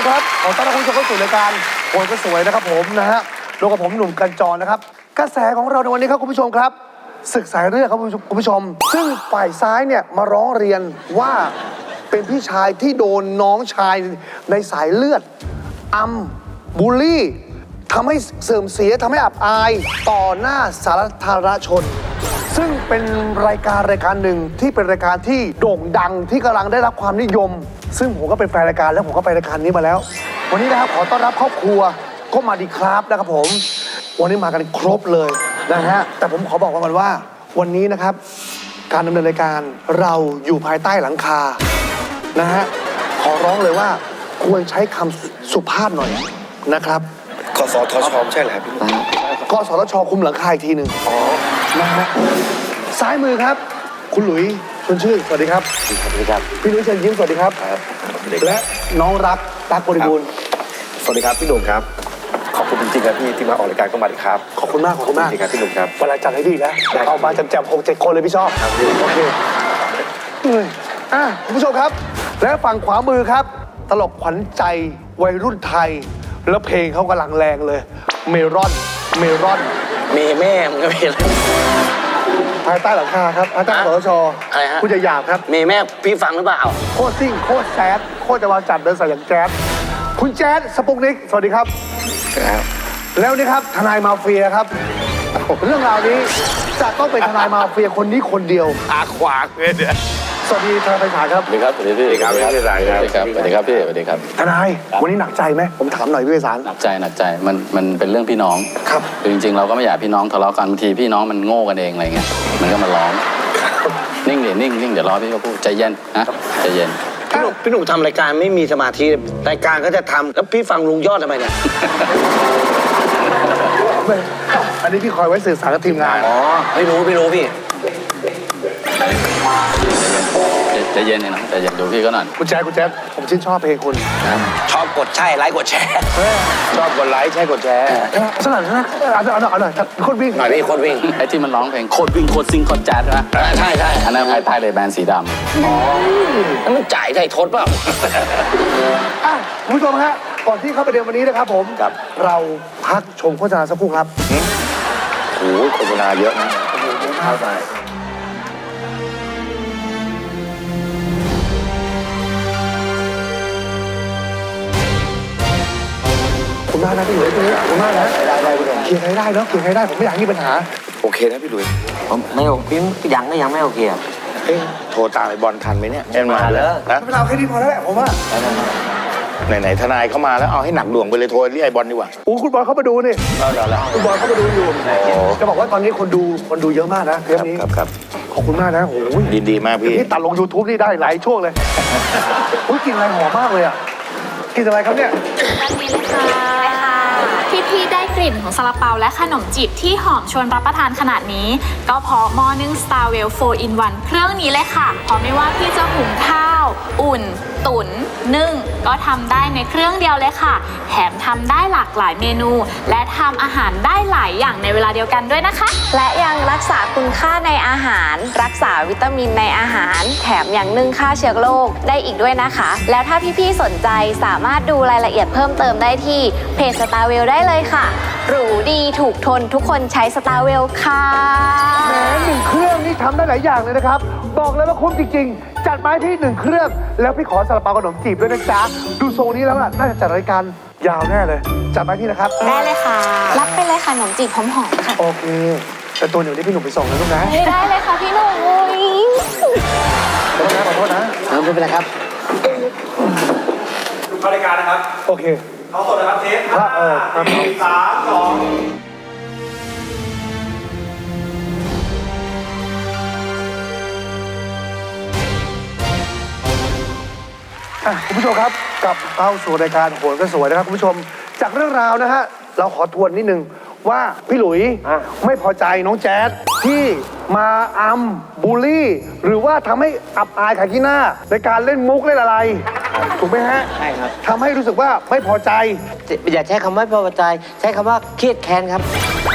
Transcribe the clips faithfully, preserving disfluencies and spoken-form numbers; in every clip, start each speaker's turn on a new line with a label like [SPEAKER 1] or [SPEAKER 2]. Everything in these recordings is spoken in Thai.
[SPEAKER 1] มครับขอต้อนรับคุณผู้ชมเข้าสู่รายการโอนก็สวยนะครับผมนะฮะร่วมกับผมหนุ่มกันจรนะครับกระแสของเราในวันนี้ครับคุณผู้ชมครับศึกสายเลือดครับคุณผู้ชมซึ่งฝ่ายซ้ายเนี่ยมาร้องเรียนว่าเป็นพี่ชายที่โดนน้องชายในสายเลือดอัมบูลลี่ทำให้เสื่อมเสียทำให้อับอายต่อหน้าสาธารณชนซึ่งเป็นรายการรายการหนึ่งที่เป็นรายการที่โด่งดังที่กำลังได้รับความนิยมซึ่งผมก็เป็นแฟนรายการแล้วผมก็ไปรายการนี้มาแล้ววันนี้นะครับขอต้อนรับครอบครัวก็มาดีครับนะครับผมวันนี้มากันครบเลยนะฮะแต่ผมขอบอกกันว่าวันนี้นะครับการดำเนินรายการเราอยู่ภายใต้หลังคานะฮะขอร้องเลยว่าควรใช้คำสุภาพหน่อยนะครับ
[SPEAKER 2] กสทชใช่เหรอครับพี่
[SPEAKER 1] กสทชคุมหลังคาอีกทีหนึ่งอ๋อนะฮะซ้ายมือครับคุณหลุยชวนชื่นสวัสดีครับ
[SPEAKER 2] สวัสดีครับ
[SPEAKER 1] พี่หลุยเชิญยิ้มสวัสดีครับและน้องรักตั๊กบริบูรณ์
[SPEAKER 2] สวัสดีครับพี่หนุ่มครับขอบคุณจริงๆครับพี่ที่มาออกรายการก็มาดีครับ
[SPEAKER 1] ขอบคุณมากขอบคุณมาก
[SPEAKER 2] จริงครับพี่หนุ่มครับ
[SPEAKER 1] เวลาจัดให้ดีนะเอามาแจมๆหกเจ็ดคนเลยพี่ชอบโอเคอ่ะคุณผู้ชมครับและฝั่งขวามือครับตลกขวัญใจวัยรุ่นไทยแล้วเพลงเขากำลังแรงเลยเมรอนเมรอน
[SPEAKER 3] เมแม่มึงก็เพลง
[SPEAKER 1] ภายใต้หลังคาครับภายใต้กสทช
[SPEAKER 3] อะไรฮะ
[SPEAKER 1] คุณจะหยาบครับ
[SPEAKER 3] เมแม่พี่ฟังหรือเปล่า
[SPEAKER 1] โคตรซิ่งโคตรแซดโคตรจะวางจัดเดินสายอย่างแจ๊ดคุณแจ๊ดสปุกนิกสวัสดีครับ
[SPEAKER 2] ครับ
[SPEAKER 1] แล้วนี่ครับทนายมาเฟียครับเรื่องราวนี้จะต้องเป็นทนายมาเฟียคนนี้คนเดียว
[SPEAKER 2] อาขวากเลยเนี่ย
[SPEAKER 1] สวัสดีทนายไพศาลครับ
[SPEAKER 4] สวัสดีครับสวัสดีพี่
[SPEAKER 2] ครับพี่ไพศาลครับ
[SPEAKER 4] สวัสดีครับสวัสดีครับพี่สวัสดีครับ
[SPEAKER 1] ทนายวันนี้หนักใจไหมผมถามหน่อยพี่ไพศาล
[SPEAKER 4] หนักใจหนักใจมันมันเป็นเรื่องพี่น้อง
[SPEAKER 1] ครับ
[SPEAKER 4] คือจริงๆเราก็ไม่อยากพี่น้องทะเลาะกันบางทีพี่น้องมันโง่กันเองอะไรเงี้ยมันก็มาร้องนิ่งเดี๋ยวนิ่งนิ่งเดี๋ยวรอพี่เขาพูดใจเย็นนะใจเย็น
[SPEAKER 3] พี่หนุ่มพี่หนุ่มทำรายการไม่มีสมาธิรายการก็จะทำแล้วพี่ฟังลุงยอดทำไมเนี่ย
[SPEAKER 1] อันนี้พี่คอยไว้สื่อสารกับทีมงาน
[SPEAKER 3] อ๋อไม่รู้ไม่รู้พี่
[SPEAKER 4] ใจเย็นเลยนะใจเย็นดูพี่ก็หน่อย
[SPEAKER 1] คุณแจ๊ดคุณแจ๊ดผมชื่นชอบเพลงคุณ
[SPEAKER 3] ชอบกดใช่ไลค์กดแชร์
[SPEAKER 2] ชอบกดไลค์ใช่กดแชร์
[SPEAKER 1] สนั่นนะเอาหน่อยเอาหน่อยโคตรวิ่ง
[SPEAKER 3] หน่อยพี่โคตรวิ่ง
[SPEAKER 4] ไอ้ที่มันร้องเพลงโคตรวิ่งโคตรซิงโคตรแจ๊ดนะ
[SPEAKER 3] ใช่ใช่
[SPEAKER 4] อันนั้นภายใต้เลยแบรนด์สีดำ
[SPEAKER 3] อ๋อแล้วมันจ่ายได้ทดเปล่า
[SPEAKER 1] อ่ะคุณผู้ชมฮะก่อนที่เข้าประเด็นวันนี้นะครับผมเราพักชมโฆษณาสักครู่ครับ
[SPEAKER 2] โอ้โหโฆษณาเยอะนะ
[SPEAKER 1] เข้าใจคุณมากนะพี่หลุยส์คุณมากนะได้ได้คุณเคลียร์ใครได้เนาะเคลียร์ใครได้ผมไม่อยากมีปัญหา
[SPEAKER 2] โอเคนะพี่หลุยส์
[SPEAKER 3] ผมไม่โอเคยังก็ยังไม่โอเคอ่ะ
[SPEAKER 2] เฮ้ยโทรตามไอ้บอลทันไหมเนี่ย
[SPEAKER 3] มาแล้ว
[SPEAKER 1] นะไม่เอาแค่นี้พอแล้วแหละผมว่า
[SPEAKER 2] ไหนๆทนายเข้ามาแล้วเอาให้หนักหน่วงไปเลยโทรเรียกไอ้บอลดีกว่า
[SPEAKER 1] โอ้คุณบอลเข้ามาดูนี่คุณบอลเข้ามาดูอยู่จะบอกว่าตอนนี้คนดูคนดูเยอะมากนะเทปนี้
[SPEAKER 2] ครับครับ
[SPEAKER 1] ขอบคุณมากนะโอ้ย
[SPEAKER 2] ดีๆมากพี่
[SPEAKER 1] นี่ตัดลง ยูทูบ นี่ได้หลายช่วงเลยอุ้ยกินอะไรหอมมากเลยอ่ะกินอะไรครับเนี่ย
[SPEAKER 5] อันนี้เลยค่ะพี่ๆได้กลิ่นของซาลาเปาและขนมจีบที่หอมชวนรับประทานขนาดนี้ก็เพราะหม้อนึ่ง Starwell โฟร์ อิน วัน เครื่องนี้เลยค่ะเพราะไม่ว่าพี่จะหุงข้าวอุ่นตุ๋นนึ่งก็ทำได้ในเครื่องเดียวเลยค่ะแถมทำได้หลากหลายเมนูและทำอาหารได้หลายอย่างในเวลาเดียวกันด้วยนะคะ
[SPEAKER 6] และยังรักษาคุณค่าในอาหารรักษาวิตามินในอาหารแถมยังนึ่งฆ่าเชื้อโรคได้อีกด้วยนะคะแล้วถ้าพี่ๆสนใจสามารถดูรายละเอียดเพิ่มเติมได้ที่เพจ Starwell ได้เลยค่ะหรูดีถูกทนทุกคนใช้ Starwell ค่ะ
[SPEAKER 1] แหมหนึ่งเครื่องนี่ทำได้หลายอย่างเลยนะครับบอกเลยว่าคุ้มจริงๆจัดมาที่หนึ่งเครื่องแล้วพี่ขอซาลาเปาขนมจีบด้วยนะจ๊ะดูทรงนี้แล้วน่าจะจัดรายการยาวแน่เลยจัดมาที่นะครับ
[SPEAKER 5] ได้เลยค่ะรับไปเลยค่ะขนมจีบหอมๆค่ะ
[SPEAKER 1] โอเคแต่ตัวหนูนี่พี่หนุ่มไปส่งนะลูกนะ
[SPEAKER 5] ได้เลยค่ะพี่หนุ่ม
[SPEAKER 1] ขอโทษนะขอโทษนะ
[SPEAKER 3] ไม่เป็นไรครับ
[SPEAKER 7] เข้ารายการนะครับ
[SPEAKER 1] โอเค
[SPEAKER 7] เอาสดนะครับเทปห้าสี่สามสอง
[SPEAKER 1] คุณผู้ชมครับกลับเข้าสู่รายการโหนก็สวยนะครับคุณผู้ชมจากเรื่องราวนะฮะเราขอทวนนิดนึงว่าพี่หลุยไม่พอใจน้องแจ๊ดที่มาอัมบูลลี่หรือว่าทำให้อับอายขายขี้หน้าในการเล่นมุกเล่นอะไรถูกไหมฮะ
[SPEAKER 3] ใช่ครับ
[SPEAKER 1] ทำให้รู้สึกว่าไม่พอใจ
[SPEAKER 3] อย่าใช้คำว่าไม่พอใจใช้คำว่าเครียดแค้นครับ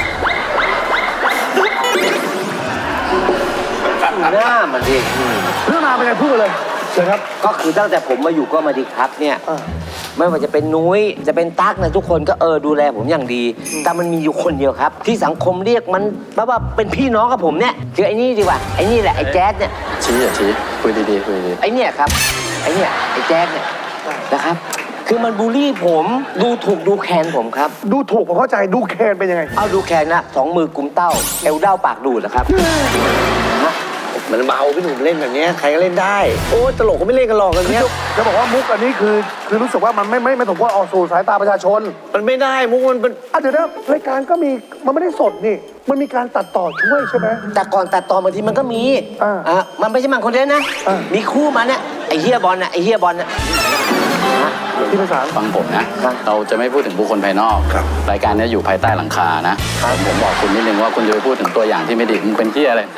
[SPEAKER 3] หน้ามันดิ
[SPEAKER 1] เรื่องราวเป็นไงพูดเลยเชิญครับ
[SPEAKER 3] ก็คือตั้งแต่ผมมาอยู่ก็มาดีครับเนี่ย
[SPEAKER 8] ไม่ว่าจะเป็นนุ้ยจะเป็นตั๊กนะทุกคนก็เออดูแลผมอย่างดี แต่มันมีอยู่คนเดียวครับ ที่สังคมเรียกมันแบบว่าเป็นพี่น้องกับผมเนี่ยคือไอ้นี่ดีกว่าไอ้นี่แหละไอ้แจ๊ดเนี่ย
[SPEAKER 4] ชี้อย่าชี้คุยดีๆคุยดี
[SPEAKER 8] ไอ้เนี่ยครับไอ้เนี่ยไอ้แจ๊ดเนี่ยนะครับ คือมันบูลลี่ผมดูถูกดูแคลนผมครับ
[SPEAKER 1] ดูถูกผมเข้าใจดูแคนเป็นยังไง
[SPEAKER 8] เอาดูแคลนนะสองมือกุมเต้าเอวเด้าปากดูดนะครับ
[SPEAKER 3] มันเบาพี่หนุ่มเล่นแบบเนี้ยใครก็เล่นได้ โอ้ตลกก็ไม่เล่นกันหรอกแบบเนี้ย
[SPEAKER 1] จะบอกว่ามุกอันนี้คือคือรู้สึกว่ามันไม่ไม่ไม่สมควรออกสู่สายตาประชาชน
[SPEAKER 3] มันไม่ได้มุกมันเป็น
[SPEAKER 1] อ่ะเดี๋ยวนะรายการก็มีมันไม่ได้สดนี่ มันมีการตัดต่อช่วยใช่ไหม
[SPEAKER 8] แต่ก่อนตัดต่อบางทีมันก็มี
[SPEAKER 1] อ่า
[SPEAKER 8] อ่ะมันไม่ใช่มันคนเดียวนะ
[SPEAKER 1] อ่ามี
[SPEAKER 8] มีคู่มาเนี่ยไอ้เฮียบอลน่ะไอ้เฮียบอลน่ะ
[SPEAKER 1] ที่ภาษา
[SPEAKER 4] ๆฟังผมนะ เราจะไม่พูดถึงบุคคลภายนอก รายการเนี้ยอยู่ภายใต้หลังคานะผมบอกคุณนิดนึงว่าคุณจะไปพูดถึงตัวอย่างที่ไม่ดีมึงเป็นที่อะไร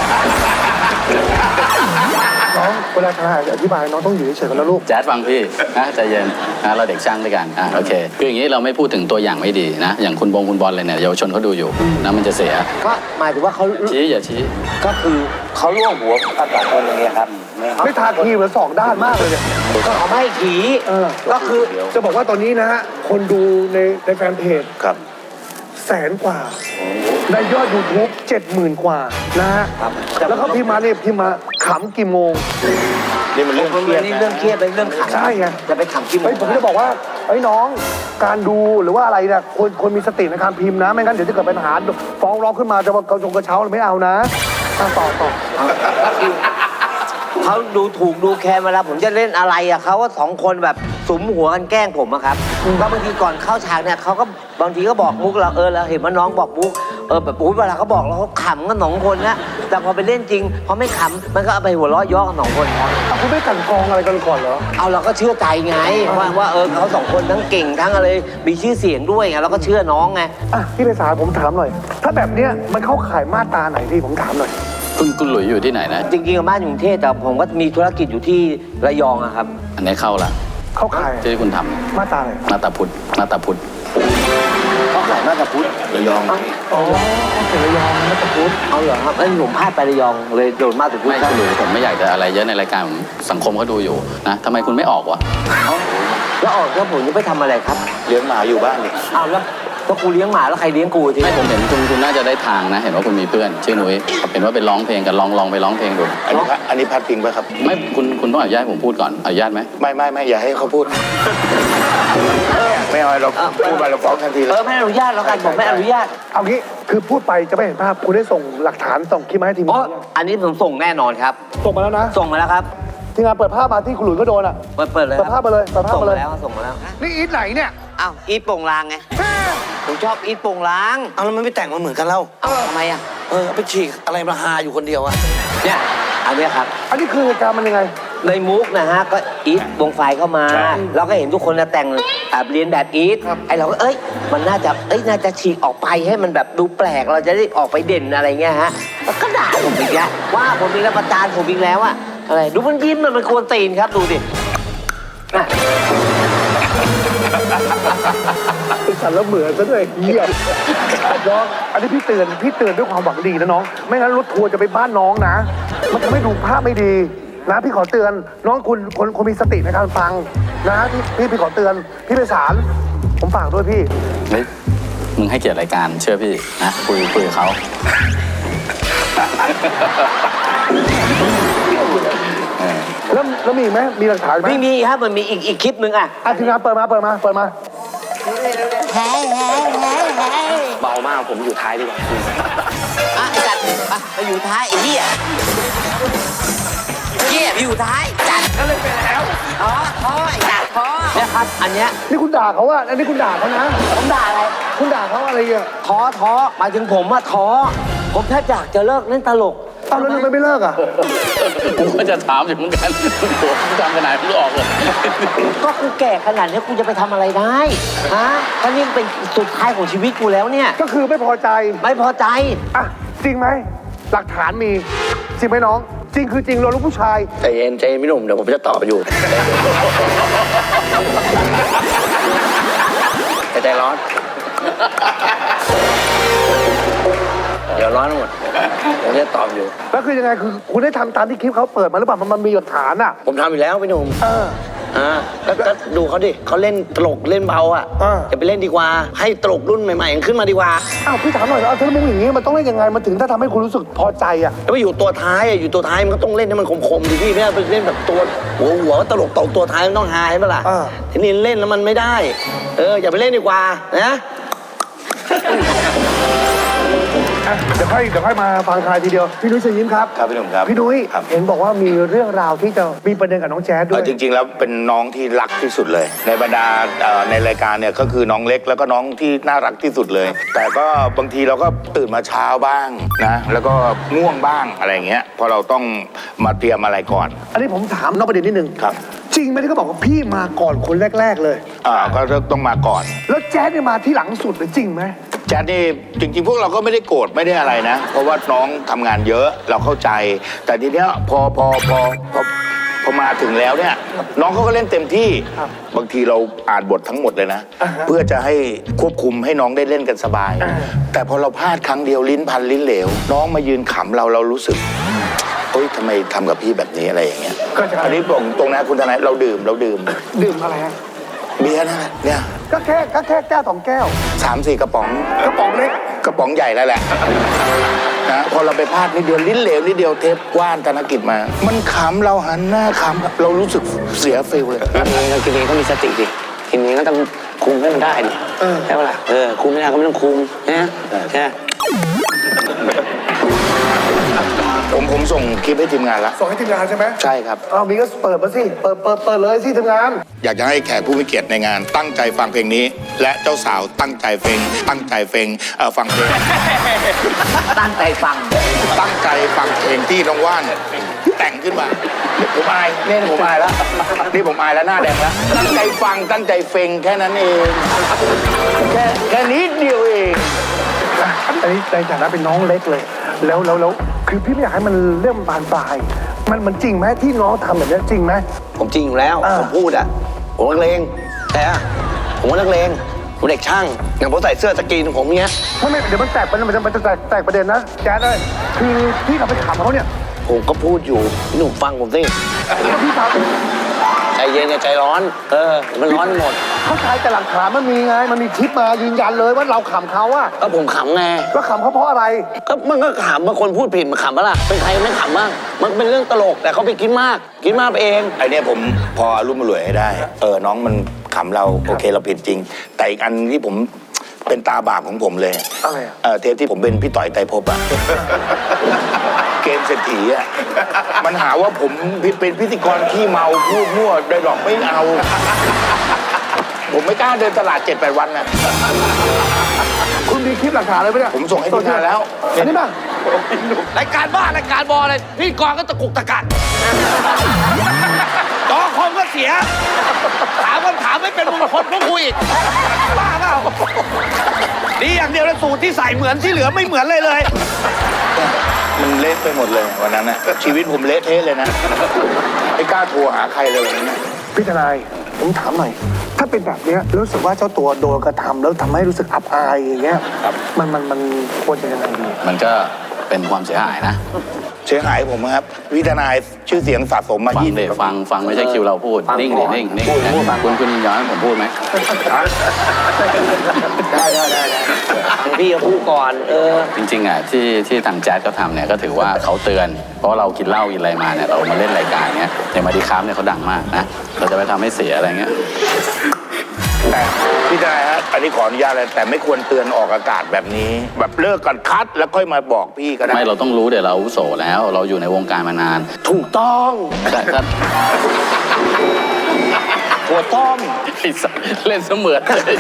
[SPEAKER 1] น้องเวลาทนายอธิบายน้องต้องอยู่เฉยๆกันแล้วลูก
[SPEAKER 4] แจ๊ดฟังพี่นะใจเย็นนะเราเด็กช่างด้วยกันอ่ะโอเคคืออย่างนี้เราไม่พูดถึงตัวอย่างไม่ดีนะ อย่างคุณบงคุณบอลเลยเนี่ยเยาวชนเขาดูอยู่นะมันจะเสีย
[SPEAKER 8] ก็หมายถึงว่าเขา
[SPEAKER 4] ชี้อย่าชี้
[SPEAKER 8] ก็คือเขาล่วงหัวกันสองคนอย่างเงี้ยครับ
[SPEAKER 1] ไม่ทาทีเหมือนสองด้านมากเลยเนี่ย
[SPEAKER 8] ก็เขาไม่ขี่
[SPEAKER 1] เออ
[SPEAKER 8] ก็คือ
[SPEAKER 1] จะบอกว่าตอนนี้นะฮะ คนดูในในแฟนเพจ
[SPEAKER 2] ครับ
[SPEAKER 1] แสนกว่า ในยอด ยูทูบ เจ็ดหมื่นกว่านะฮะ แล้วก็พิมพ์มาเนี่ยพิมพ์มาขำกี่โมง
[SPEAKER 2] นี่มันเรื่องเครียด
[SPEAKER 8] นี่
[SPEAKER 2] นะ
[SPEAKER 8] เรื่องเครียดเป็นเรื่องขัง
[SPEAKER 1] ใช่ไง
[SPEAKER 8] จะไปขังกี่โม
[SPEAKER 1] เฮ้
[SPEAKER 8] ง
[SPEAKER 1] ยผมจะบอกว่าเฮ้ยน้องการดูหรือว่าอะไรเนี่ยควรควรมีสติในการพิมพ์นะ ไม่งั้นเดี๋ยวจะเกิดปัญหาฟ้องร้องขึ้นมาจะว่ากระจงกระเช้าไม่เอานะอ่ะต่อต่อ
[SPEAKER 8] เขาดูถูกดูแคลนเวลาผมจะเล่นอะไรอะเขาก็สองคนแบบสุมหัวกันแกล้งผมอะครับก็บางทีก่อนเข้าฉากเนี่ยเขาก็บางทีก็บอกมุกเราเออเราเห็นว่าน้องบอกมุกเออแบบอุ้ยเวลาเขาบอกเราเขาขำกันสองคนนะแต่พอไปเล่นจริงพอไม่ขำมันก็เอาไปหัวเราะเย่อกันสองคนครับ
[SPEAKER 1] อ่ะคุณไม่กลันกรองอะไรกันก่อนเหรอ
[SPEAKER 8] เอาเราก็เชื่อใจไงว่าว่าเออเขาสองคนทั้งเก่งทั้งอะไรมีชื่อเสียงด้วยไงเราก็เชื่อน้องไง
[SPEAKER 1] อ่ะพี่ไพศาลผมถามหน่อย ถ้าแบบเนี้ยมันเข้าข่ายมาตราไหนพี่ผมถามหน่อย
[SPEAKER 4] คุณคุณหลุยอยู่ที่ไหนนะ
[SPEAKER 8] จริงๆกับบ้านอยู่กรุงเทพแต่ผมก็มีธุรกิจอยู่ที่ระยองอะครับ
[SPEAKER 4] อันนี้เข้าละ
[SPEAKER 1] เข้าข่าย
[SPEAKER 4] ที่คุณทำ
[SPEAKER 1] มาตราอะไร
[SPEAKER 4] มาตาพุทธมาตาพุทธ
[SPEAKER 8] เขาขายมากกับพุทธ
[SPEAKER 2] ระยอง
[SPEAKER 1] อ๋อเสระยองมาตราพุทธ
[SPEAKER 8] เอาเหรอครับไอ้ยผมพลาดไประยองเลยโดนมากกับพุทธ
[SPEAKER 4] ไม่คุณหลุยผมไม่อยากจะอะไรเยอะในรายการผมสังคมเขาดูอยู่นะทำไมคุณไม่ออกวะ
[SPEAKER 8] แล้วออกแล้วผมจะไปทำอะไรครับ
[SPEAKER 2] เลี้ยงหมาอยู่บ้านนี่
[SPEAKER 8] อ้าวแล้วก็กูเลี้ยงหมาแล้วใครเลี้ยงกูที
[SPEAKER 4] ไม่ผมเห็นคุณคุณน่าจะได้ทางนะ เห็นว่าคุณมีเพื่อนชื่อนุ้ยเห็นว่าไปร้องเพลงกันลองลองไปร้องเพลงดู
[SPEAKER 2] อันนี้พัดอันนี้พัดพิงป่ะครับ
[SPEAKER 4] ไม่คุณคุณต้องอนุญาตให้ผมพูดก่อนอนุญาตไหม
[SPEAKER 2] ไม่ไม่ไม่อย่าให้เขาพูด ไม่เอาเราพูดไปเราฟ้องทันทีเล
[SPEAKER 8] เอย อไม่อนุญาตแล้วกันผมไม่อนุญาต
[SPEAKER 1] เอางี้คือพูดไปจะไม่เห็นภาพคุณได้ส่งหลักฐานส่งคลิปมาให้ทีม
[SPEAKER 8] อ๋อง
[SPEAKER 1] านยัง
[SPEAKER 8] อันนี้ผมส่งแน่นอนครับ
[SPEAKER 1] ส่งมาแล้วนะ
[SPEAKER 8] ส่งมาแล้วครับ
[SPEAKER 1] ทีมงานเปิดภาพมาที่คุณหลุยส์ก็โดนอ่ะ
[SPEAKER 8] เปิดเปิดเลย
[SPEAKER 1] เปิดภาพมาเลยเปิดภาพ
[SPEAKER 8] ส่ง
[SPEAKER 1] มาเล
[SPEAKER 8] มาย แล้วส่งมาแล้ว
[SPEAKER 1] นี่อีทไหนเนี่ย
[SPEAKER 8] อ้าวอีทโป่งลางไงผมชอบอีทโป่งลาง
[SPEAKER 3] เอาแล้วมันไม่แต่งมาเหมือนกันเล่า
[SPEAKER 8] เอ้าทำไมอ่ะ
[SPEAKER 3] เออเอาไปฉีกอะไรมาหาอยู่คนเดียวอะ
[SPEAKER 8] เนี่ยอันเนี้ยครับ
[SPEAKER 1] อันนี้คือเหตุการณ์มันยังไง
[SPEAKER 8] ในมุกนะฮะก็อีทวงไฟเข้ามา เราก็เห็นทุกคนนะแต่งแบบเรียนแบบอีทไอเราก็เอ้ยมันน่าจะเอ้ยน่าจะฉีกออกไปให้มันแบบดูแปลกเราจะได้ออกไปเด่นอะไรเงี้ยฮะแล้วก็ด่าผมอีกแล้วว่าผมอีกแล้วประจานผมอีกแล้วอะอะไรดูมันยิ้มมันมันควรตีนครับดูดิน่ะ
[SPEAKER 1] ไอ้สันแล้วเหมือนซะด้วยเหี้ยน้องอันนี้พี่เตือนพี่เตือนด้วยความหวังดีนะน้อง ไม่งั้นรถทัวร์จะไปบ้านน้องนะ มันจะไม่ดูภาพไม่ดีนะพี่ขอเตือน น้องคุณคนคนมีสติในการฟังนะพี่พี่พี่ขอเตือน พี่ไพศาลผมฝากด้วยพี่
[SPEAKER 4] เฮ้ยมึงให้เกียรติรายการเชื่อพี่นะคุยคุยกับเขา
[SPEAKER 1] แล้วแล้วมีอีกไหมมีหลักฐานไหม
[SPEAKER 8] ไม่มีครับมันมีอีกอีกคลิปหนึ่งอะ
[SPEAKER 1] อ่ะทีมงานเปิดมาเปิดมาเปิดมา
[SPEAKER 2] เบามากผมอยู่ท้ายดีกว่า
[SPEAKER 8] อ่ะไอ้จัดอ่ะไปอยู่ท้ายไอ้เหี้ยเหี้ยไปอยู่ท้ายจัดก็เลยไปแล้วท้อท้อไอ้จัดท้อเนี่ยครับอันเนี้ย
[SPEAKER 1] นี่คุณด่าเขาอะอันนี้คุณด่าเขานะ
[SPEAKER 8] ผมด่าอะไร
[SPEAKER 1] คุณด่าเขาอะไรอ่ะ
[SPEAKER 8] ท้อท้อหมายถึงผมอะท้อผมแค่อยากจะเลิกเล่นตลก
[SPEAKER 1] เอาแล้วทำไมไม่เลิกอ่ะ
[SPEAKER 4] ผมก็จะถามอยู่เหมือนกันผมทำขนาดไม่ออกเลย
[SPEAKER 8] ก็กูแก่ขนาดนี้กูจะไปทำอะไรได้ฮะก็นี่เป็นสุดท้ายของชีวิตกูแล้วเนี่ย
[SPEAKER 1] ก็คือไม่พอใจ
[SPEAKER 8] ไม่พอใจ
[SPEAKER 1] อ่ะจริงไหมหลักฐานมีจริงไหมน้อง จริงคือจริงเราลูกผู้ชาย
[SPEAKER 3] ใจเย็นใจเย็นพี่หนุ่มเดี๋ยวผมจะตอบอยู่ใจใจร้อน เดี๋ยวร้อนหมดผมจะตอบอยู่
[SPEAKER 1] แล้วคือยังไงคือคุณได้ทำตามที่คลิปเขาเปิดมาหรือเปล่ามันมันมีหลักฐานอ่ะ
[SPEAKER 3] ผมทำอยู่แล้วพี่หนุ่ม
[SPEAKER 1] เออ
[SPEAKER 3] อ่าก็ก็ดูเขาดิเขาเล่นตลกเล่นเบาอ่ะ
[SPEAKER 1] อ่า
[SPEAKER 3] จะไปเล่นดีกว่า ให้ตลกรุ่นใหม่ๆขึ้นมาดีกว่า
[SPEAKER 1] อ้าวพี่ถามหน่อยเอาถ้ามุกอย่างนี้มันต้องเล่นยังไงมันถึงถ้าทำให้คุณรู้สึกพอใจอ่ะ
[SPEAKER 3] แล้วไปอยู่ตัวท้ายอ่ะอยู่ตัวท้ายมันก็ต้องเล่นให้มันคมๆดิพี่ไม่ใช่ไปเล่นแบบตัวหัวหัวตลกตกตัวท้ายมันต้องฮาใช่ปะล่ะ
[SPEAKER 1] อ่า
[SPEAKER 3] ทีนี้เล่นแล้วมันไม่ได้ เอออย่าไปเล่นดีกว่านะ
[SPEAKER 1] อ่ะเดี๋ยวค่อยเดี๋ยวค่อยมาฟังทายทีเดียวพี่นุ้ยเชิญยิ้มครับ
[SPEAKER 2] ครับพี่หนุ่มครับ
[SPEAKER 1] พี่นุ้ย
[SPEAKER 2] ครับ
[SPEAKER 1] เห็นบอกว่ามีเรื่องราวที่จะมีประเด็นกับน้องแจ๊ดด้ว
[SPEAKER 9] เอ่อย จริง ๆ แล้วเป็นน้องที่รักที่สุดเลย ในบรรดาเอ่อในรายการเนี่ยก็คือน้องเล็กแล้วก็น้องที่น่ารักที่สุดเลย แต่ก็บางทีเราก็ตื่นมาเช้าบ้างนะแล้วก็ง่วงบ้างอะไรอย่างเงี้ยเพราะเราต้องมาเตรียมอะไรก่อน
[SPEAKER 1] อันนี้ผมถามนอกประเด็นนิดนึง
[SPEAKER 9] ครับ
[SPEAKER 1] จริงไหมที่เขาบอกว่าพี่มาก่อนคนแรก ๆ เลย
[SPEAKER 9] อ่าก็ต้องมาก่อน
[SPEAKER 1] แล้วแจ๊ดเนี่ยมาที่หลังสุดเลยจริงไหม
[SPEAKER 9] แจ๊ดนี่จริง ๆ พวกเราก็ไม่ได้โกรธไม่ได้อะไรนะ เพราะว่าน้องทำงานเยอะเราเข้าใจ แต่ทีเนี้ยพอพอพอพอพอมาถึงแล้วเนี่ยน้องเขาก็เล่นเต็มที่บางทีเราอ่านบททั้งหมดเลยนะ เพื่อจะให้ควบคุมให้น้องได้เล่นกันสบาย แต่พอเราพลาดครั้งเดียวลิ้นพันลิ้นเหลว น้องมายืนขำเราเรารู้สึกเฮ้ยทำไมทำกับพี่แบบนี้อะไรอย่างเงี้ย
[SPEAKER 1] ก็จะ
[SPEAKER 9] อันนี้ตรงตรงนะคุณทนายเราดื่มเราดื่ม
[SPEAKER 1] ดื่มอะไรฮะ
[SPEAKER 9] เบียร์นั่นแหละเนี่ย
[SPEAKER 1] ก็แค่ก็แค่แก้วสองแก้ว
[SPEAKER 9] สามสี่กระป๋อง
[SPEAKER 1] กระป๋องเล็ก
[SPEAKER 9] กระป๋องใหญ่แล้วแหละนะพอเราไปพลาดนิดเดียวลิ้นเหลวนิดเดียวเทปว่านธนกิจมา มันขำเราหันหน้าขำเรารู้สึกเสียฟิลเลย
[SPEAKER 3] เรากินเองก็มีสติดิกินเองก็ต้องคุมให้มันได้ดิใช่ปะล่ะเออคุมไม่ได้ก็ไม่ต้องคุมนะใช่
[SPEAKER 9] ผมผมส่งคลิปให้ทีมงานแล้ว
[SPEAKER 1] ส่งให้ทีมงานใช่ไหม
[SPEAKER 9] ใช่ครับ
[SPEAKER 1] เอามีก็เปิดมาสิเปิดเปิดเปิดเลยสิทีมงาน
[SPEAKER 9] อยากจะให้แขกผู้มีเกียรติในงานตั้งใจฟังเพลงนี้ และเจ้าสาวตั้งใจเพลงตั้งใจเพลงเออฟังเพลง
[SPEAKER 8] ตั้งใจฟัง
[SPEAKER 9] ตั้งใจฟังเพลงที่น้องว่านแต่งขึ้นมาผมอายนี่ผมอายแล้วนี่ผมอายแล้วหน้าแดงแล้วตั้งใจฟังตั้งใจเฟงแค่นั้นเองแค่แค่นิดเดียวเอง
[SPEAKER 1] อันนี้ในฐานะเป็นน้องเล็กเลย แล้วแล้วแล้วคือพี่ไม่อยากให้มันเรื่องบานปลาย มันมันจริงไหมที่น้องทำแบบนี้จริงไหม
[SPEAKER 3] ผมจริงอยู่แล้ว
[SPEAKER 1] อ่า
[SPEAKER 3] ผมพูดอ่ะผมนักเลงแต่อะผมว่านักเลงผมเด็กช่างอย่างผมใส่เสื้อสกรีนของผมเนี้ย
[SPEAKER 1] ไม่ไม่เดี๋ยวมันแตกมันมันจะมันจะแตกแตกประเด็นนะแจ๊ดเลยคือพี่กลับไปถามเขาเนี่ย
[SPEAKER 3] ผมก็พูดอยู่พี่หนุ่มฟังผมสิ
[SPEAKER 1] แล้วพี่ถาม
[SPEAKER 3] ใจเย็นอย่าใจร้อน เออมันร้อนหมด
[SPEAKER 1] เขาใช้แต่หลักฐานมันมีไงมันมีคลิปมายืนยันเลยว่าเราขำเขาอะ
[SPEAKER 3] ก็ผมขำไง
[SPEAKER 1] แล้วขำเขาเพราะอะไร
[SPEAKER 3] ก็มันก็ขำบางคนพูดผิดมันขำปะล่ะเป็นใครไม่ขำบ้างมันเป็นเรื่องตลกแต่เขาไปคิดมากคิดมากไปเอง
[SPEAKER 9] ไอเนี้ยผมพอรุ่มรวยให้ได้ เออน้องมันขำเราโอเคเราผิดจริง แต่อีกอันที่ผมเป็นตาบาปของผมเลย
[SPEAKER 1] อะไรอะ
[SPEAKER 9] เออเทปที่ผมเป็นพี่ต่อยไตรภพอะ เกมเศรษฐีอะมันหาว่าผมเป็นพิธีกรขี้เมาพูดมั่วโดยหลอกไม่เอา ผมไม่กล้าเดินตลาดเจ็ดแปดวันนะ
[SPEAKER 1] คุณมีคลิปหลักฐานเลยไหมเนี่ย
[SPEAKER 9] ผมส่งให้ทีมงานแล้ว
[SPEAKER 1] อันนี้ป่ะ
[SPEAKER 3] รายการบ้ารายการบออะไรพี่กรก็ตะกุกตะกักจอคอมก็เสีย ถามคำถามไม่เป็นมงคลก็คุยอีกบ้าเปล่าดีอย่างเดียวแล้วสูตรที่ใส่เหมือนที่เหลือไม่เหมือนเลยเลย
[SPEAKER 9] มันเละไปหมดเลยวันนั้นนะชีวิตผมเละเทะเลยนะไม่กล้าโทรหาใครเลยวันนั้นนะ
[SPEAKER 1] พี่ทนายผมถามหน่อย ถ้าเป็นแบบเนี้ยรู้สึกว่าเจ้าตัวโดนกระทำแล้วทำให้รู้สึกอับอายอย่างเงี้ยมันมันมันควรจะยังไงดี
[SPEAKER 4] มันก็เป็นความเสียหายนะ
[SPEAKER 9] เสียหายผมครับวิทนายชื่อเสียงสะสมมา
[SPEAKER 4] ฟัง
[SPEAKER 9] ยี่
[SPEAKER 4] เด็
[SPEAKER 9] สิบ
[SPEAKER 4] ฟังฟังไม่ใช่คิวเราพูด นิ่งดินิ่งนิ่งนะคุณคุณยินยอมให้ผมพูดไหม
[SPEAKER 3] ได้ได้ได้ฟังพี่ก็พูดก่อน เออ
[SPEAKER 4] จริงๆอ่ะที่ที่ทางแจ๊ดเขาทำเนี่ยก็ถือว่าเขาเตือน เพราะเรากินเหล้ากินอะไรมาเนี่ยเรามาเล่นรายการเนี้ยอย่างมาดีครับเนี่ยเขาดังมากนะเราจะไปทำให้เสียอะไรเงี้ย
[SPEAKER 9] แต่พี่ทนายฮะอันนี้ขออนุญาตเลยแต่ไม่ควรเตือนออกอากาศแบบนี้ แบบเลิกกันคัดแล้วค่อยมาบอกพี่ก็ได้
[SPEAKER 4] ไม่เราต้องรู้เดี๋ยวเราอาวุโสแล้ว เราอยู่ในวงการมานาน
[SPEAKER 3] ถูกต้อง
[SPEAKER 4] แต่ถ้า
[SPEAKER 3] หัวต้ม
[SPEAKER 4] ไอ้สัสเล่นเสมือนเลย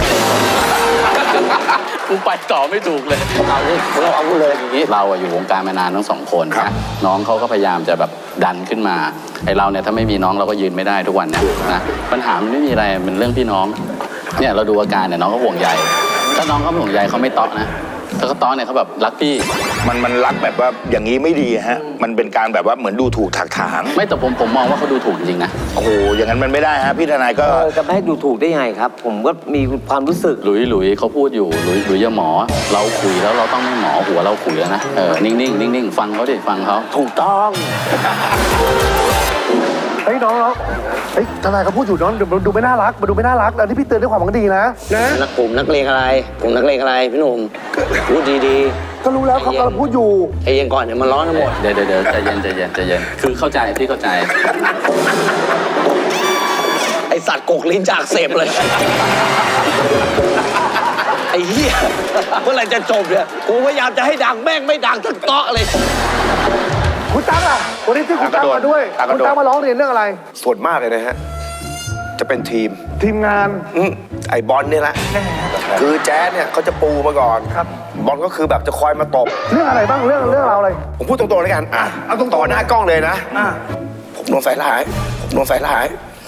[SPEAKER 4] กูไปต่อไม่ถูกเลย
[SPEAKER 3] เอาดิเราเอาเลย
[SPEAKER 4] อย่างนี้เราอะอยู่วงการมานานทั้งสองคน
[SPEAKER 9] ครับ
[SPEAKER 4] นะน้องเขาก็พยายามจะแบบดันขึ้นมาไอเราเนี่ยถ้าไม่มีน้องเราก็ยืนไม่ได้ทุกวันเนี่ยนะปัญหามันไม่มีอะไรมันเรื่องพี่น้องเนี่ยเราดูอาการเนี่ยน้องก็ห่วงใยถ้าน้องเขาไม่ห่วงใยเขาไม่เตาะนะถ้าเขาเตาะเนี่ยเขาแบบรักพี่
[SPEAKER 9] มันมันรักแบบว่าอย่างนี้ไม่ดีฮะมันเป็นการแบบว่าเหมือนดูถูกถักถาง
[SPEAKER 4] ไม่แต่ผมผมมองว่าเขาดูถูกจริงๆนะ
[SPEAKER 9] โอ้โหอย่างนั้นมันไม่ได้ฮะพี่ทนายก็
[SPEAKER 8] เออจะไม่ให้ดูถูกได้ยังไงครับ ผมก็มีความรู้สึก
[SPEAKER 4] หลุยหลุยเขาพูดอยู่หลุยหลุยอย่าหมอ เราคุยแล้วเราต้องไม่หมอหัวเราคุยแล้วนะเออนิ่งๆนิ่งๆฟังเขาดิฟังเขา
[SPEAKER 3] ถูกต้อง
[SPEAKER 1] เฮ้ยน้องน้องเฮ้ยทนายเขาพูดอยู่น้องดูดูไม่น่ารักมาดูไม่น่ารักแล้วที่พี่เตือนด้วยความหวังดีนะนะ
[SPEAKER 8] นักผมนักเลงอะไร ผมนักเลงอะไรพี่หนุ่มพูดดี
[SPEAKER 1] ก็รู้แล้วเขากำลังพูดอยู่
[SPEAKER 8] ๆไอ้ยังก่อนเดี๋ยวมันร้อนทั้งหมด
[SPEAKER 4] เดี๋ยวเดี๋ยวเดี๋ยวใจเย็นใจเย็นใจเย็นคือเข้าใจพี่เข้าใจ
[SPEAKER 8] ไอสัตว์กกลิ้นจากเสพเลย ไอ้เหี้ยเมื่อไหร่จะจบเนี่ยกูพยายามจะให้ดังแม่งไม่ดังสักเตาะเลย
[SPEAKER 1] คุณตั๊กอ่ะวันนี้ที่คุณตั๊กมาด้วย
[SPEAKER 9] ตั๊กกระ
[SPEAKER 1] คุณ
[SPEAKER 9] โดด
[SPEAKER 1] ตั๊กมาร้องเรียนเรื่องอะไร
[SPEAKER 2] ส่วนมากเลยนะฮะ จะเป็นทีม
[SPEAKER 1] ทีมงาน
[SPEAKER 2] อืมไอ้บอลเนี่ยแหละ คือแจ๊สเนี่ยเขาจะปูมาก่อน
[SPEAKER 1] ครับ
[SPEAKER 2] บอลก็คือแบบจะคอยมาตบ
[SPEAKER 1] เรื่องอะไรบ้างเรื่องเรื่องราวอะไร
[SPEAKER 2] ผมพูดตรงๆเลยกัน อ่ะ
[SPEAKER 1] เอาตรงๆ
[SPEAKER 2] ต่อหน้ากล้องเลยนะ
[SPEAKER 1] อ่า
[SPEAKER 2] ผมโดนใส่ร้าย ผมโดนใส่ร้าย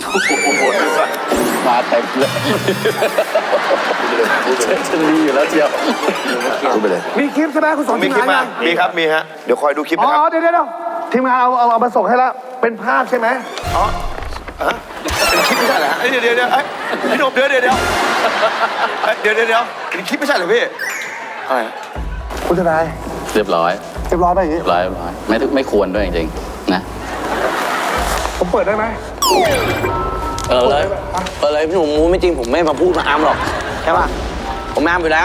[SPEAKER 4] มาเต็มเลยฉันมีอยู่แล้วเชียว
[SPEAKER 2] พูดไปเลย
[SPEAKER 1] มีคลิปใช่ไหมคุณสอน
[SPEAKER 2] มี
[SPEAKER 1] ทีม
[SPEAKER 2] คลิป
[SPEAKER 1] งาน
[SPEAKER 2] มา
[SPEAKER 1] ยัง
[SPEAKER 2] มีครับ มีฮะ เดี๋ยวคอยดูคลิป
[SPEAKER 1] อ๋
[SPEAKER 2] นะครับ
[SPEAKER 1] อเดี๋ยวเดี๋ยวทีมงานเอาเอาเอามาส่งให้แล้วเป็นภาพใช่ไหม
[SPEAKER 2] อ๋อฮะเป็นคลิปไม่ใช่เหรอฮะเอ้ยเดี๋ยวเดี๋ยวเดี๋ยวเอ้ยพี่หนุ่มเดี๋ยวเดี๋ยวเดี๋ยวเอ้ยเดี๋ยวเดี๋ยวเดี๋ยวเป็นคลิปไม่ใช่เหรอพี่อะไร
[SPEAKER 1] คุณทนาย
[SPEAKER 4] เรียบร้อย
[SPEAKER 1] เรียบร้อยไปอย่างนี้
[SPEAKER 4] เรียบร้อยเรียบร้อยไม่ไม่ควรด้วยจริงๆนะ
[SPEAKER 1] ผมเปิดได้ไหม
[SPEAKER 8] เออเลยเออเลยพี่หนุ่มมูไม่จริงผมไม่มาพูดมาอามหรอกใช่ป่ะผมอามอยู่แล้ว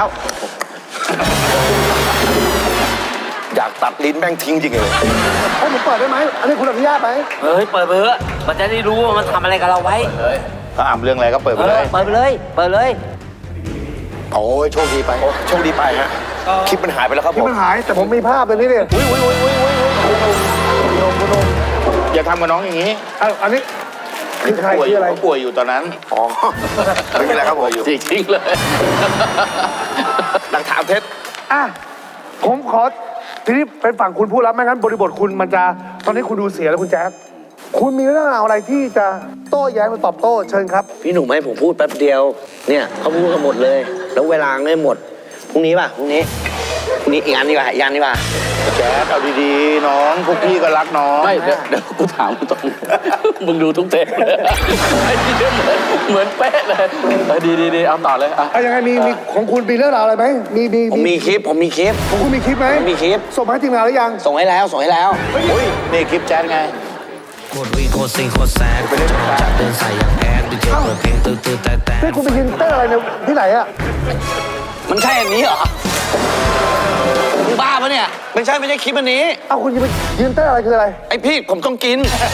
[SPEAKER 2] อยากตัดลิ้นแม่งทิ้งจริงเลย
[SPEAKER 1] ให้ผมเปิดได้ไหมอันนี้คุณอนุญาตไหม
[SPEAKER 8] เฮ้ยเปิดไปเถอะมันจะได้รู้ว่ามันทำอะไรกับเราไว้
[SPEAKER 9] ถ้าอ่านเรื่องอะไรก็เปิดไป
[SPEAKER 8] เอ
[SPEAKER 9] เล
[SPEAKER 8] อย เปิดไปเลยเปิดเลย
[SPEAKER 2] โอ้ยโชคดีไปโอ้โชคดีไปฮะ คลิปมันหายไปแล้วครับ
[SPEAKER 1] คลิ
[SPEAKER 2] ผ
[SPEAKER 1] ป
[SPEAKER 2] ม
[SPEAKER 1] มันหายแต่ผมมีภาพเป็นนี่เนี่ยอุ้ยอุ้ยอุ้ยอุ้ยอุ้ยอุ้ยโดนโดน
[SPEAKER 9] อย่าทำกับน้องอย่างนี้
[SPEAKER 1] อ้าวอันนี้คือใคร
[SPEAKER 9] ป่วย
[SPEAKER 1] คืออะไร
[SPEAKER 9] เขาป่วยอยู่ตอนนั้น
[SPEAKER 2] อ๋อไม่เป็นไรครับผม
[SPEAKER 4] จริงๆเลย
[SPEAKER 2] หลักฐานเท็จ
[SPEAKER 1] อ่ะผมขอทีนี้เป็นฝั่งคุณพูดแล้วไม่งั้นบริบทคุณมันจะตอนนี้คุณดูเสียแล้วคุณแจ๊คคุณมีเรื่องราวอะไรที่จะโต้แย้งหรือตอบโต้เชิญครับ
[SPEAKER 8] พี่หนุ่มให้ผมพูดแป๊บเดียว เนี่ยเขาพูดกันหมดเลย แล้วเวลาไม่หมด พรุ่งนี้ป่ะ พรุ่งนี้ พรุ่งนี้อีกอันดีกว่าอีกอันดีกว่า
[SPEAKER 9] แจ๊ดเอาดีๆ น้องพวกพี่ก็รักน้อง
[SPEAKER 4] ไม่เดี๋ยวเดี๋ยวกูถามมึงตรงมึงดูทุกเทปเลยไอ้ที่เหมือนเหมือนเป๊ะเลยเออดีดีดีเอาต่อเลยอ่ะ
[SPEAKER 1] เอายังไงมีมีของคุณมีเรื่องราวอะไรไหมมีมี
[SPEAKER 8] ผมมีคลิป ผมมีคลิป
[SPEAKER 1] ของคุณมีคลิปไหม
[SPEAKER 8] ผมมีคลิป
[SPEAKER 1] ส่งมาให้ทีมงานหรือยัง
[SPEAKER 8] ส่งให้แล้ว ส่งให้แล้ว
[SPEAKER 9] อุ้ยนี่คลิปแจ๊ดไง
[SPEAKER 10] โคตรวีโคตรซิงโคตรแซดจะลองจัดเดินใส่อย่างแอดดีเจเปิดเพลงตื้อตื้อแต่แต่
[SPEAKER 1] นี่คุณไปยืนเต้นอะไรในที่ไหนอะ
[SPEAKER 8] มันใช่อันนี้เหรอมึงบ้าปะเนี่ย ไม่ใช่ไม่ใช่คลิปอันนี้
[SPEAKER 1] เอาคุณจะไปยืนเต้นอะไรคืออะไร
[SPEAKER 8] ไอพี่ผมต้องกิน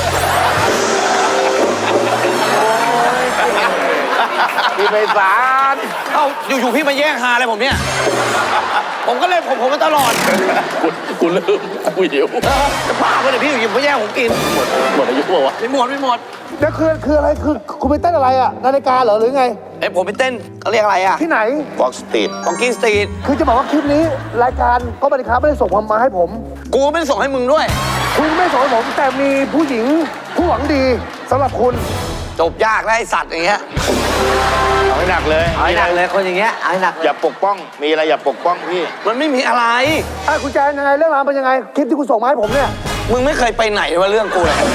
[SPEAKER 9] พี่ไปศาล
[SPEAKER 8] เอ้าอยู่ๆพี่มาแย่งฮาอะไรผมเนี่ย ผมก็เล่นผมผมมาตลอด
[SPEAKER 4] กูกูลืมกูหิว
[SPEAKER 8] จะบ้าปะเนี่ยพี่อยู่ๆมาแย่งผมกิน
[SPEAKER 4] หมดอายุเปล่าวะ
[SPEAKER 8] ไม่หมดไม่หมด
[SPEAKER 1] แล้วคือคืออะไรคือคุณไปเต้นอะไรอะนาฬิกาเหรอหรือไง
[SPEAKER 8] ไอยผมไปเต้นเขาเรียกอะไรอ่ะ
[SPEAKER 1] ที่ไหน
[SPEAKER 9] บอกสตรีท
[SPEAKER 8] ของกินสตรีท
[SPEAKER 1] คือจะบอกว่าคลิปนี้รายการก็บันทึกไม่ได้ส่งมาให้ผม
[SPEAKER 8] กูไม่ได้ส่งให้มึงด้วย
[SPEAKER 1] คุณไม่ส่งให้ผมแต่มีผู้หญิงผู้หวังดีสำหรับคุณ
[SPEAKER 8] จบยากแล้วไอสัตว์อย่างเงี้ย
[SPEAKER 9] เอาให้หนักเลย
[SPEAKER 8] เอาให้หนักเลยคนอย่างเงี้ยเอาให้หนัก
[SPEAKER 9] อย่าปกป้อง มีอะไรอย่าปกป้องพี่
[SPEAKER 8] มันไม่มีอะไร
[SPEAKER 1] อ่ะคุณแจนยังไงเรื่องราวเป็นยังไงคลิปที่คุณส่งมาให้ผมเนี่ย
[SPEAKER 8] มึงไม่เคยไปไหนว่าเรื่องกูเลย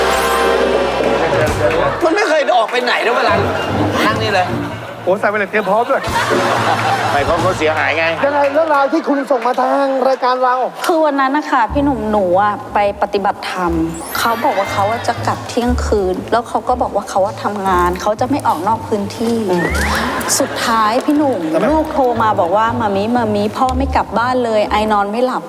[SPEAKER 8] มันไม่เคยออกไปไหนด้วยเวลานั่งนี่เลย
[SPEAKER 1] โอ้ใส่ไปเลยเตรียมพร้อมด้วย
[SPEAKER 9] ไม่เขาเขาเสียหายไง
[SPEAKER 1] ยังไงเรื่องราวที่คุณส่งมาทางรายการเรา
[SPEAKER 11] คือวันนั้นนะคะพี่หนุ่มหนูอะไปปฏิบัติธรรมเขาบอกว่าเขาจะกลับเที่ยงคืน แล้วเขาก็บอกว่าเขาว่าทำงานเขาจะไม่ออกนอกพื้นที่ สุดท้ายพี่หนุ่มลูกโทรมาบอกว่ามามีมามีพ่อไม่กลับบ้านเลยไอนอนไม่หลับ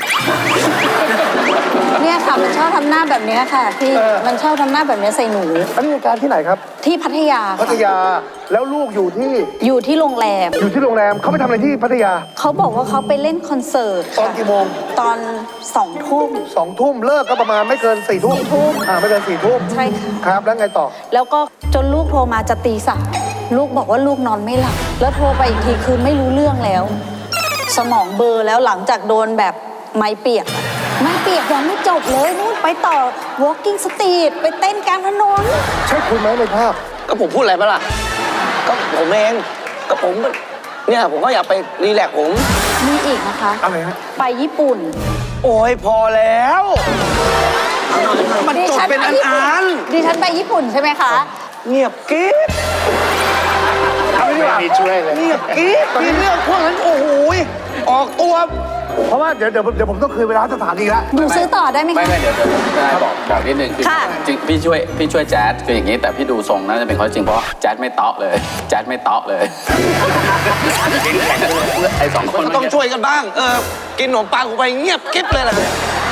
[SPEAKER 11] เนี่ยค่ะมันชอบทำหน้าแบบเนี้ยค่ะพี่มันชอบทำหน้าแบบเนี้ยใส่หนู
[SPEAKER 1] อันนี้รายการที่ไหนครับ
[SPEAKER 11] ที่พัทยา
[SPEAKER 1] พัทยาแล้วลูกอยู่ที่
[SPEAKER 11] อยู่ที่โรงแรม
[SPEAKER 1] อยู่ที่โรงแรมเขาไปทำอะไรที่พัทยา
[SPEAKER 11] เขาบอกว่าเขาไปเล่นคอนเสิร์ต
[SPEAKER 1] ตอน
[SPEAKER 11] ค่ะ
[SPEAKER 1] กี่โมง
[SPEAKER 11] ตอนสองทุ่ม
[SPEAKER 1] สองทุ่มเลิกก็ประมาณไม่เกินสี่ทุ่ม
[SPEAKER 11] สี่ทุ่ม
[SPEAKER 1] อ่าไม่เกินสี่ทุ่ม
[SPEAKER 11] ใช่ค่ะ
[SPEAKER 1] ครับแล้วไงต่อ
[SPEAKER 11] แล้วก็จนลูกโทรมาจะตีสามลูกบอกว่าลูกนอนไม่หลับ แล้วโทรไปอีกทีคือไม่รู้เรื่องแล้ว สมองเบลอแล้วหลังจากโดนแบบไม้เปียกอะไม้เปียกยังไม่จบเลยนู่นไปต่อ walking street ไปเต้นกลางถนน
[SPEAKER 1] ใช่คุณไหมในภาพ
[SPEAKER 8] ก็ผมพูดอะไรปะล่ะ ก็ผมเอง ก็ผม เนี่ยผมก็อยากไปรีแลกซ์ผม
[SPEAKER 11] มีอีกนะคะ
[SPEAKER 1] อะไรฮะ
[SPEAKER 11] ไปญี่ปุ่น
[SPEAKER 8] โอ้ยพอแล้ว มันจบเป็นอันอัน
[SPEAKER 11] ดิฉันไปญี่ปุ่นใช่ไหมคะ
[SPEAKER 8] เงียบกิ๊บ
[SPEAKER 1] เอาไปดีกว่า
[SPEAKER 9] ไม่มีช่วยเลย
[SPEAKER 8] เงียบกิ๊บมีเรื่องพวกนั้นโอ้โหยออกตัว
[SPEAKER 1] เพราะว่าเดี๋ยวเดี๋ยวเดี๋ยวผมต้องคืนเวลาสถานีแล้ว
[SPEAKER 11] หนูซื้อต่อได้ไหม
[SPEAKER 4] ไม่
[SPEAKER 11] คะ
[SPEAKER 4] ไม่เดี๋ยวเดี๋ยวผมจะบอกบอกนิดนึงคือ
[SPEAKER 11] ค่ะ
[SPEAKER 4] จริงพี่ช่วยพี่ช่วยแจ๊ดคืออย่างนี้แต่พี่ดูทรงน่าจะเป็นข้อจริงเพราะแจ๊ดไม่เตาะเลยแจ๊ดไม่เตาะเลยไอ้สองคน
[SPEAKER 3] ก็ต้องช่วยกันบ้าง เออ กินขนมปังกูไปเงียบกิ๊บเลยแหละ